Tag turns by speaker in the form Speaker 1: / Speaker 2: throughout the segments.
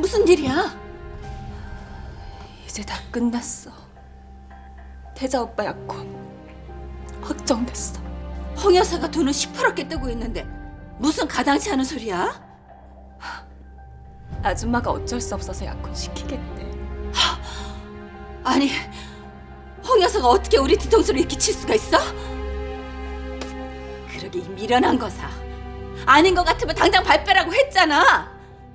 Speaker 1: 무슨 일이야? 이제 다 끝났어. 태자 오빠 약혼 확정됐어. 홍 여사가 돈을 시퍼렇게 뜨고 있는데 무슨 가당치 않은 소리야? 아줌마가 어쩔 수 없어서 약혼 시키겠대. 아니, 홍 여사가 어떻게 우리 뒤통수를 이렇게 칠 수가 있어? 그러게 이 미련한 거사. 아닌 것 같으면 당장 발 빼라고 했잖아.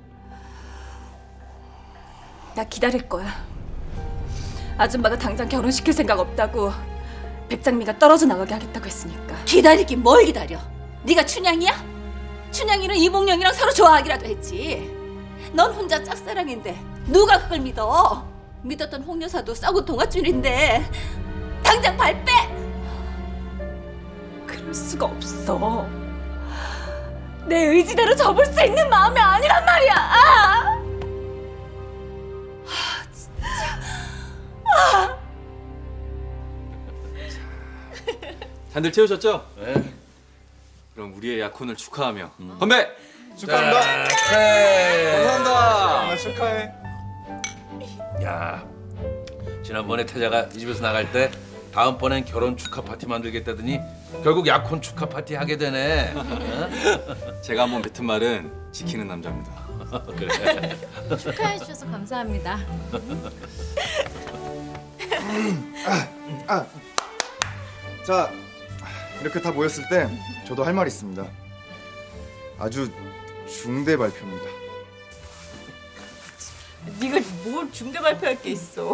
Speaker 1: 나 기다릴 거야. 아줌마가 당장 결혼시킬 생각 없다고 백장미가 떨어져 나가게 하겠다고 했으니까. 기다리긴 뭘 기다려? 네가 춘향이야? 춘향이는 이몽룡이랑 서로 좋아하기라도 했지. 넌 혼자 짝사랑인데 누가 그걸 믿어? 믿었던 홍 여사도 썩은 동아줄인데 당장 발 빼! 그럴 수가 없어. 내 의지대로 접을 수 있는 마음이 아니란 말이야.
Speaker 2: 잔들 채우셨죠?
Speaker 3: 네.
Speaker 2: 그럼 우리의 약혼을 축하하며 건배!
Speaker 4: 축하합니다. 감사합니다. 축하해.
Speaker 3: 야, 지난번에 태자가 이 집에서 나갈 때 다음번엔 결혼 축하 파티 만들겠다더니 결국 약혼 축하 파티 하게 되네.
Speaker 2: 제가 한번 뱉은 말은 지키는 남자입니다.
Speaker 3: 그래.
Speaker 5: 축하해 주셔서 감사합니다.
Speaker 4: 자, 이렇게 다 모였을 때 저도 할 말이 있습니다. 아주 중대 발표입니다.
Speaker 1: 네가 뭘 중대 발표할 게 있어.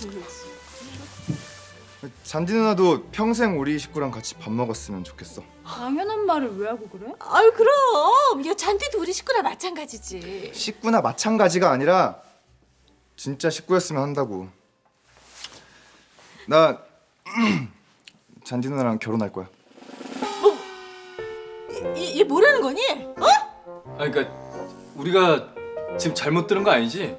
Speaker 4: 잔디 누나도 평생 우리 식구랑 같이 밥 먹었으면 좋겠어.
Speaker 5: 당연한 말을 왜 하고 그래?
Speaker 1: 아유 그럼 야 잔디도 우리 식구나 마찬가지지.
Speaker 4: 식구나 마찬가지가 아니라 진짜 식구였으면 한다고. 나 잔디 누나랑 결혼할 거야.
Speaker 1: 얘 뭐라는 거니? 어?
Speaker 2: 아니 그러니까 우리가 지금 잘못 들은 거 아니지?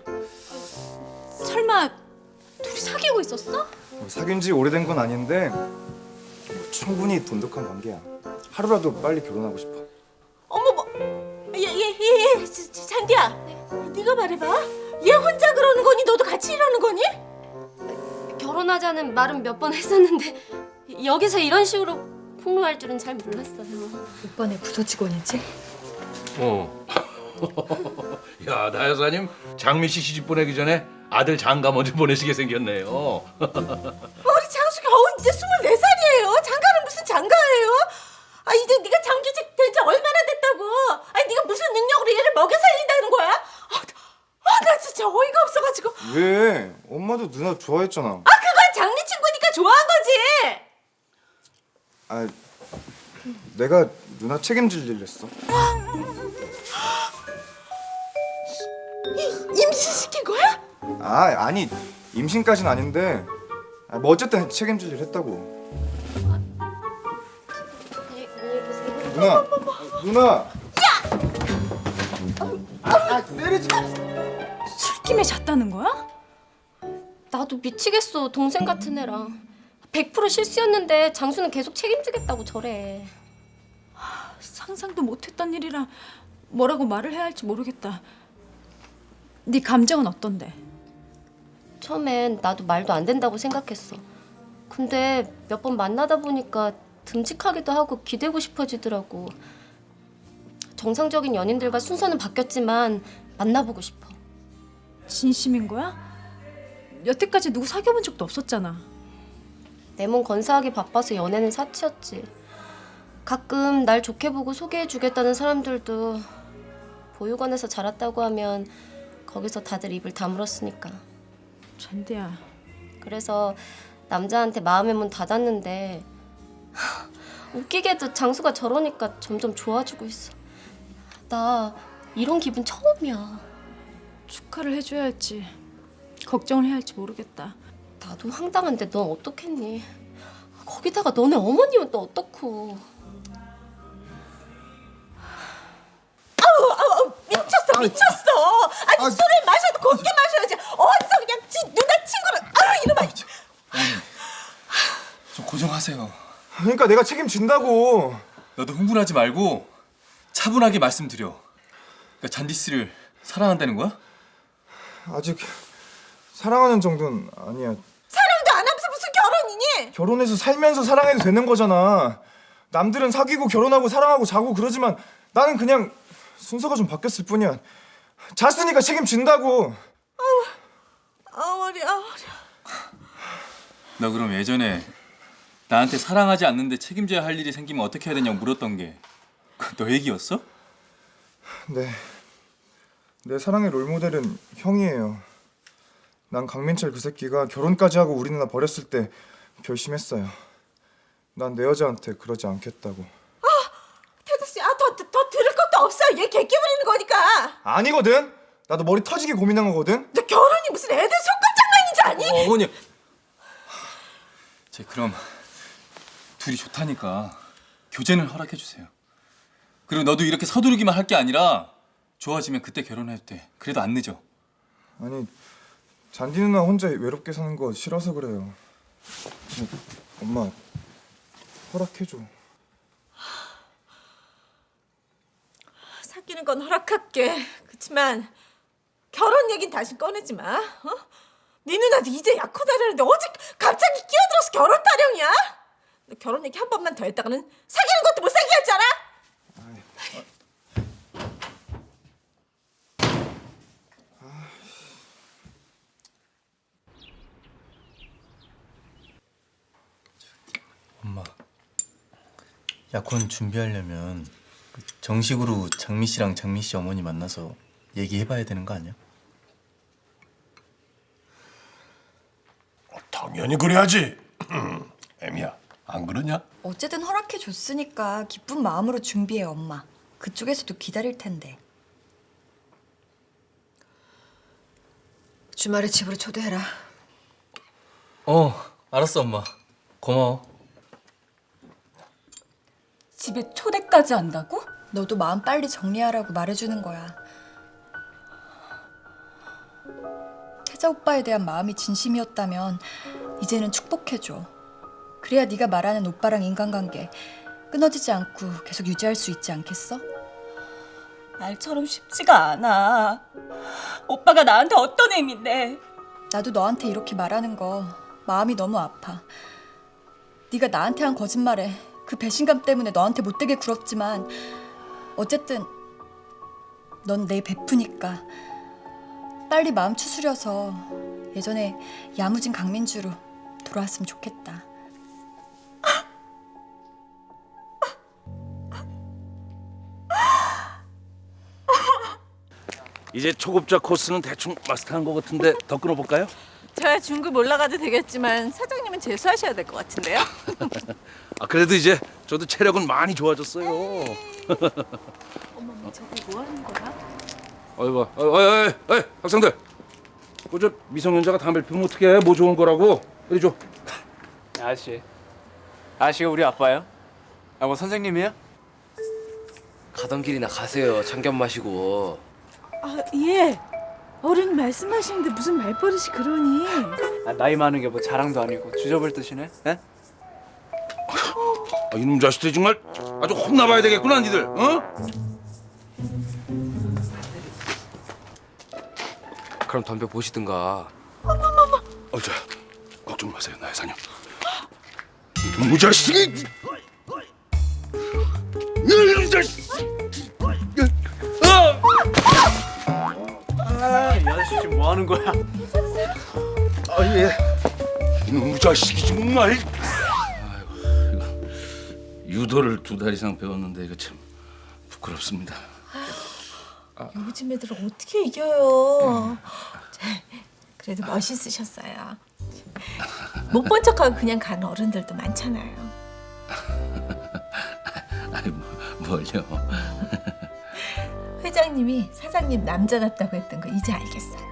Speaker 5: 설마 둘이 사귀고 있었어?
Speaker 4: 사귄 지 오래된 건 아닌데 충분히 돈독한 관계야. 하루라도 빨리 결혼하고 싶어.
Speaker 1: 어머 뭐? 얘 잔디야. 네가 말해봐. 얘 혼자 그러는 거니? 너도 같이 이러는 거니?
Speaker 6: 결혼하자는 말은 몇 번 했었는데 여기서 이런 식으로 폭로할 줄은 잘 몰랐어요.
Speaker 5: 오빠네 부서 직원이지?
Speaker 2: 어.
Speaker 3: 야, 나 여사님 장미 씨 시집 보내기 전에 아들 장가 먼저 보내시게 생겼네요.
Speaker 1: 우리 장수 겨우 이제 24살이에요. 장가는 무슨 장가예요? 아 이제 네가 장기직 된 지 얼마나 됐다고? 아니 네가 무슨 능력으로 얘를 먹여 살린다는 거야? 나 진짜 어이가 없어가지고.
Speaker 4: 왜? 엄마도 누나 좋아했잖아.
Speaker 1: 그건 장미 친구니까 좋아한 거지.
Speaker 4: 아, 내가 누나 책임질 일 했어.
Speaker 1: 임신시킨 거야?
Speaker 4: 아니 임신까지는 아닌데 뭐 어쨌든 책임질 일 했다고. 누나. 내리지.
Speaker 5: 술김에 잤다는 거야?
Speaker 6: 나도 미치겠어. 동생 같은 애랑 100% 실수였는데 장수는 계속 책임지겠다고 저래.
Speaker 5: 상상도 못했던 일이라 뭐라고 말을 해야 할지 모르겠다. 네 감정은 어떤데?
Speaker 6: 처음엔 나도 말도 안 된다고 생각했어. 근데 몇 번 만나다 보니까 듬직하기도 하고 기대고 싶어지더라고. 정상적인 연인들과 순서는 바뀌었지만 만나보고 싶어.
Speaker 5: 진심인 거야? 여태까지 누구 사귀어본 적도 없었잖아.
Speaker 6: 내 몸 건사하기 바빠서 연애는 사치였지. 가끔 날 좋게 보고 소개해주겠다는 사람들도 보육원에서 자랐다고 하면 거기서 다들 입을 다물었으니까.
Speaker 5: 잔디야.
Speaker 6: 그래서 남자한테 마음의 문 닫았는데 웃기게도 장수가 저러니까 점점 좋아지고 있어. 나 이런 기분 처음이야.
Speaker 5: 축하를 해줘야 할지 걱정을 해야 할지 모르겠다.
Speaker 6: 나도 황당한데 넌 어떻겠니? 거기다가 너네 어머님은 또 어떻고.
Speaker 1: 미쳤어. 아니 술을 마셔도 곱게 마셔야지. 어디서 그냥 누나 친구를. 이놈아.
Speaker 2: 좀 고정하세요.
Speaker 4: 그러니까 내가 책임진다고.
Speaker 2: 너도 흥분하지 말고 차분하게 말씀드려. 그러니까 잔디 씨를 사랑한다는 거야?
Speaker 4: 아직 사랑하는 정도는 아니야.
Speaker 1: 사랑도 안 하면서 무슨 결혼이니?
Speaker 4: 결혼해서 살면서 사랑해도 되는 거잖아. 남들은 사귀고 결혼하고 사랑하고 자고 그러지만 나는 그냥 순서가 좀 바뀌었을 뿐이야. 잤으니까 책임진다고.
Speaker 1: 어머니.
Speaker 2: 너 그럼 예전에 나한테 사랑하지 않는데 책임져야 할 일이 생기면 어떻게 해야 되냐고 물었던 게 너 얘기였어?
Speaker 4: 네. 내 사랑의 롤모델은 형이에요. 난 강민철 그 새끼가 결혼까지 하고 우리 누나 버렸을 때 결심했어요. 난 내 여자한테 그러지 않겠다고.
Speaker 1: 태도 씨, 더 들을 것도 없어. 얘 개 끼부리는 거니까.
Speaker 4: 아니거든. 나도 머리 터지게 고민한 거거든.
Speaker 1: 너 결혼이 무슨 애들 손가락 장난인지 아니?
Speaker 2: 어머니. 제 그럼 둘이 좋다니까 교제는 허락해 주세요. 그리고 너도 이렇게 서두르기만 할 게 아니라 좋아지면 그때 결혼해도 돼. 그래도 안 늦어.
Speaker 4: 아니 잔디 누나 혼자 외롭게 사는 거 싫어서 그래요. 엄마 허락해줘.
Speaker 1: 사귀는 건 허락할게. 그렇지만 결혼 얘긴 다시 꺼내지 마. 어? 네 누나도 이제 약혼하려는데 어제 갑자기 끼어들어서 결혼 타령이야? 너 결혼 얘기 한 번만 더 했다가는 사귀는 것도 못 사귀게 하잖아.
Speaker 7: 엄마, 약혼 준비하려면 정식으로 장미 씨랑 장미 씨 어머니 만나서 얘기해봐야 되는 거 아니야?
Speaker 8: 당연히 그래야지. 애미야, 안 그러냐?
Speaker 9: 어쨌든 허락해 줬으니까 기쁜 마음으로 준비해, 엄마. 그쪽에서도 기다릴 텐데.
Speaker 1: 주말에 집으로 초대해라.
Speaker 7: 알았어 엄마. 고마워.
Speaker 1: 집에 초대까지 한다고?
Speaker 9: 너도 마음 빨리 정리하라고 말해주는 거야. 태자 오빠에 대한 마음이 진심이었다면 이제는 축복해줘. 그래야 네가 말하는 오빠랑 인간관계 끊어지지 않고 계속 유지할 수 있지 않겠어?
Speaker 1: 말처럼 쉽지가 않아. 오빠가 나한테 어떤 의미인데?
Speaker 9: 나도 너한테 이렇게 말하는 거 마음이 너무 아파. 네가 나한테 한 거짓말에 그 배신감 때문에 너한테 못되게 굴었지만 어쨌든 넌 내 베프니까 빨리 마음 추스려서 예전에 야무진 강민주로 돌아왔으면 좋겠다.
Speaker 3: 이제 초급자 코스는 대충 마스터한 것 같은데 더 끊어볼까요?
Speaker 1: 저야 중급 올라가도 되겠지만 사장님은 재수하셔야 될 것 같은데요?
Speaker 3: 아 그래도 이제 저도 체력은 많이 좋아졌어요.
Speaker 1: 어머머, 저거 뭐 하는 거야?
Speaker 3: 어이 학생들, 그저 미성년자가 담배 피우면 어떻게 해? 뭐 좋은 거라고? 이리 줘.
Speaker 10: 아저씨가 우리 아빠예요? 아 뭐 선생님이에요?
Speaker 11: 가던 길이나 가세요. 참견 마시고.
Speaker 1: 아, 예. 어른이 말씀하시는데 무슨 말버릇이 그러니?
Speaker 10: 아, 나이 많은 게 뭐 자랑도 아니고 주접을 뜨시네? 에?
Speaker 3: 아, 이놈 자식들이 정말 아주 혼나봐야 되겠구나 니들. 어?
Speaker 11: 그럼 덤벼 보시든가.
Speaker 8: 자, 걱정 마세요, 나의 사녀. 이놈 자식이! 이놈 자식!
Speaker 10: 이 아저씨 지금 뭐 하는 거야?
Speaker 8: 이놈 자식이 정말!
Speaker 3: 유도를 2달 이상 배웠는데 이거 참 부끄럽습니다.
Speaker 1: 요즘 애들은 어떻게 이겨요? 그래도 멋있으셨어요. 못 본 척하고 그냥 가는 어른들도 많잖아요.
Speaker 3: 아니 뭘요?
Speaker 1: 회장님이 사장님 남자답다고 했던 거 이제 알겠어요.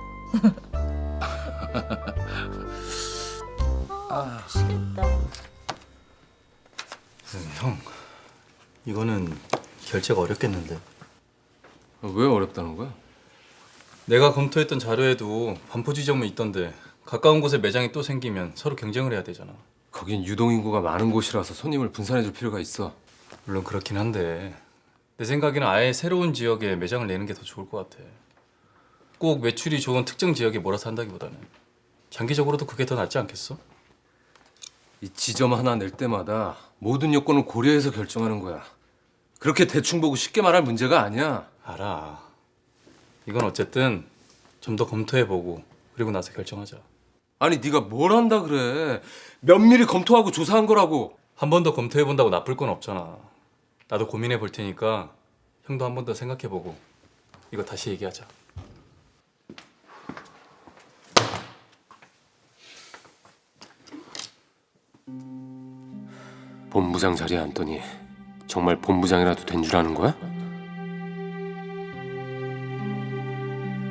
Speaker 7: 형, 이거는 결제가 어렵겠는데.
Speaker 11: 왜 어렵다는 거야?
Speaker 7: 내가 검토했던 자료에도 반포 지점은 있던데 가까운 곳에 매장이 또 생기면 서로 경쟁을 해야 되잖아.
Speaker 11: 거긴 유동인구가 많은 곳이라서 손님을 분산해줄 필요가 있어.
Speaker 7: 물론 그렇긴 한데 내 생각에는 아예 새로운 지역에 매장을 내는 게 더 좋을 것 같아. 꼭 매출이 좋은 특정 지역에 몰아서 한다기보다는 장기적으로도 그게 더 낫지 않겠어?
Speaker 11: 이 지점 하나 낼 때마다 모든 요건을 고려해서 결정하는 거야. 그렇게 대충 보고 쉽게 말할 문제가 아니야.
Speaker 7: 알아. 이건 어쨌든 좀 더 검토해보고 그리고 나서 결정하자.
Speaker 11: 아니 네가 뭘 한다 그래. 면밀히 검토하고 조사한 거라고.
Speaker 7: 한 번 더 검토해본다고 나쁠 건 없잖아. 나도 고민해볼 테니까 형도 한 번 더 생각해보고 이거 다시 얘기하자.
Speaker 11: 본부장 자리에 앉더니 정말 본부장이라도 된 줄 아는 거야?